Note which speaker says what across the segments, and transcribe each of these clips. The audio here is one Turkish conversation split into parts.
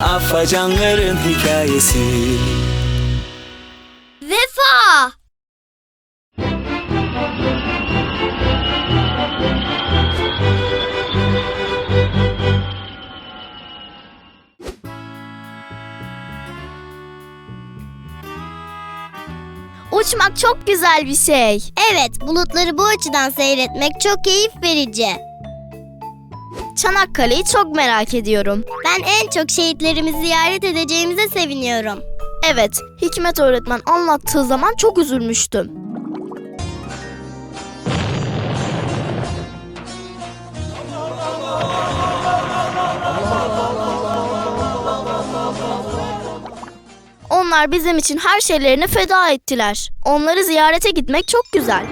Speaker 1: Afacanların hikayesi.
Speaker 2: Vefa! Uçmak çok güzel bir şey.
Speaker 3: Evet, bulutları bu açıdan seyretmek çok keyif verici.
Speaker 2: Çanakkale'yi çok merak ediyorum.
Speaker 3: Ben en çok şehitlerimizi ziyaret edeceğimize seviniyorum.
Speaker 2: Evet, Hikmet öğretmen anlattığı zaman çok üzülmüştüm. Onlar bizim için her şeylerini feda ettiler. Onları ziyarete gitmek çok güzel.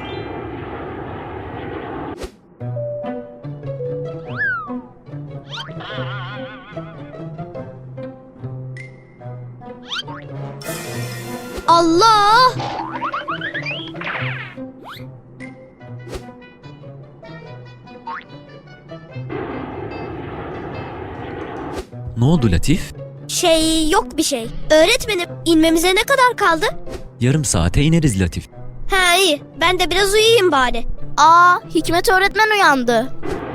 Speaker 3: Allah!
Speaker 4: Ne oldu Latif?
Speaker 3: Yok bir şey. Öğretmenim, inmemize ne kadar kaldı?
Speaker 4: Yarım saate ineriz Latif.
Speaker 3: Ha iyi, ben de biraz uyuyayım bari.
Speaker 2: Hikmet öğretmen uyandı.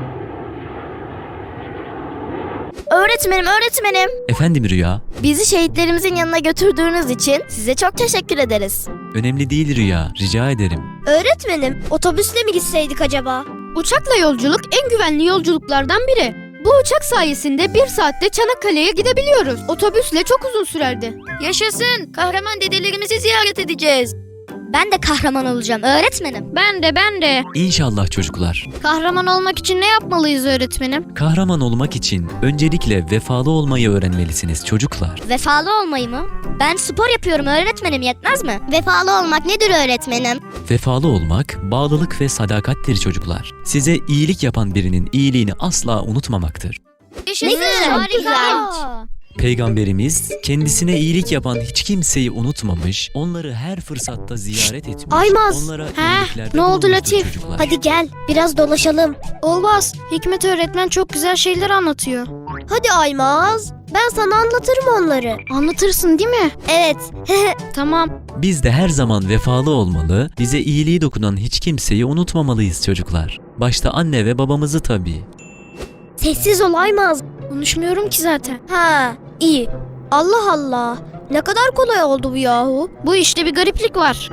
Speaker 2: Öğretmenim.
Speaker 4: Efendim Rüya?
Speaker 2: Bizi şehitlerimizin yanına götürdüğünüz için size çok teşekkür ederiz.
Speaker 4: Önemli değil Rüya, rica ederim.
Speaker 3: Öğretmenim, otobüsle mi gitseydik acaba?
Speaker 5: Uçakla yolculuk en güvenli yolculuklardan biri. Bu uçak sayesinde 1 saatte Çanakkale'ye gidebiliyoruz. Otobüsle çok uzun sürerdi.
Speaker 6: Yaşasın! Kahraman dedelerimizi ziyaret edeceğiz.
Speaker 3: Ben de kahraman olacağım öğretmenim.
Speaker 5: Ben de.
Speaker 4: İnşallah çocuklar.
Speaker 5: Kahraman olmak için ne yapmalıyız öğretmenim?
Speaker 4: Kahraman olmak için öncelikle vefalı olmayı öğrenmelisiniz çocuklar.
Speaker 3: Vefalı olmayı mı? Ben spor yapıyorum öğretmenim, yetmez mi? Vefalı olmak nedir öğretmenim?
Speaker 4: Vefalı olmak, bağlılık ve sadakattir çocuklar. Size iyilik yapan birinin iyiliğini asla unutmamaktır.
Speaker 6: Yaşasın!
Speaker 3: Harika!
Speaker 4: Peygamberimiz kendisine iyilik yapan hiç kimseyi unutmamış, onları her fırsatta ziyaret etmiş.
Speaker 3: Aymaz!
Speaker 4: Onlara
Speaker 5: Heh,
Speaker 4: iyiliklerde
Speaker 5: ne oldu
Speaker 4: bulunmuştur
Speaker 5: Latif?
Speaker 4: çocuklar.
Speaker 3: Hadi gel, biraz dolaşalım.
Speaker 5: Olmaz. Hikmet öğretmen çok güzel şeyler anlatıyor.
Speaker 3: Hadi Aymaz, ben sana anlatırım onları.
Speaker 5: Anlatırsın değil mi?
Speaker 3: Evet.
Speaker 5: Tamam.
Speaker 4: Biz de her zaman vefalı olmalı, bize iyiliği dokunan hiç kimseyi unutmamalıyız çocuklar. Başta anne ve babamızı tabii.
Speaker 3: Sessiz ol Aymaz.
Speaker 5: Konuşmuyorum ki zaten.
Speaker 3: Ha, iyi. Allah Allah. Ne kadar kolay oldu bu yahu.
Speaker 5: Bu işte bir gariplik var.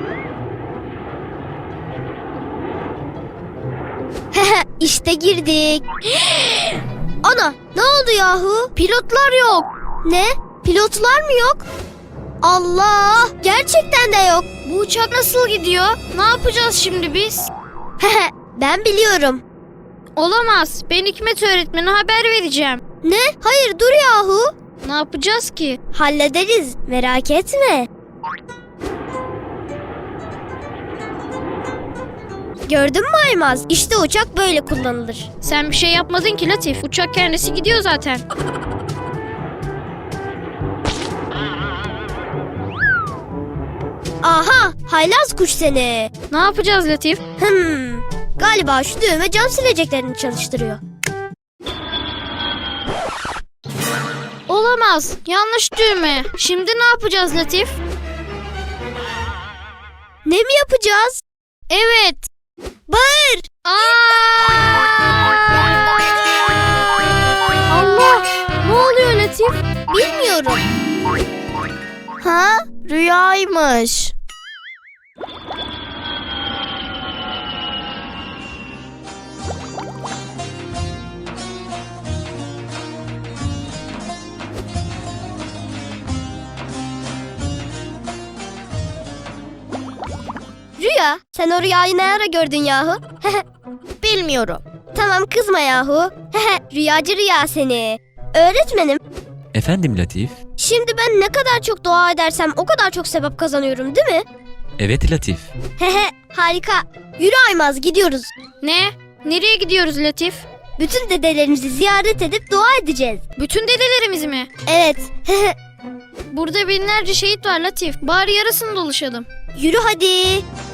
Speaker 3: İşte girdik. Ana, ne oldu yahu? Pilotlar yok. Ne? Pilotlar mı yok? Allah! Gerçekten de yok.
Speaker 5: Bu uçak nasıl gidiyor? Ne yapacağız şimdi biz?
Speaker 3: Ben biliyorum.
Speaker 5: Olamaz. Ben Hikmet öğretmene haber vereceğim.
Speaker 3: Ne? Hayır, dur yahu.
Speaker 5: Ne yapacağız ki?
Speaker 3: Hallederiz, merak etme. Gördün mü Aymaz? İşte uçak böyle kullanılır.
Speaker 5: Sen bir şey yapmadın ki Latif. Uçak kendisi gidiyor zaten.
Speaker 3: Aha, haylaz kuş seni.
Speaker 5: Ne yapacağız Latif?
Speaker 3: Galiba şu düğme cam sileceklerini çalıştırıyor.
Speaker 5: Olamaz. Yanlış düğme. Şimdi ne yapacağız Latif?
Speaker 3: Ne mi yapacağız?
Speaker 5: Evet.
Speaker 3: Bağır!
Speaker 5: Allah! Ne oluyor Latif?
Speaker 3: Bilmiyorum.
Speaker 2: Rüyaymış.
Speaker 3: Rüya, sen o rüyayı ne ara gördün yahu?
Speaker 2: Bilmiyorum.
Speaker 3: Tamam, kızma yahu. Rüyacı rüya seni. Öğretmenim,
Speaker 4: Efendim Latif?
Speaker 3: şimdi ben ne kadar çok dua edersem o kadar çok sevap kazanıyorum değil mi?
Speaker 4: Evet Latif.
Speaker 3: Harika. Yürü Aymaz, gidiyoruz.
Speaker 5: Ne? Nereye gidiyoruz Latif?
Speaker 3: Bütün dedelerimizi ziyaret edip dua edeceğiz.
Speaker 5: Bütün dedelerimiz mi?
Speaker 3: Evet.
Speaker 5: Burada binlerce şehit var Latif. Bari yarısını dolaşalım.
Speaker 3: Yürü hadi.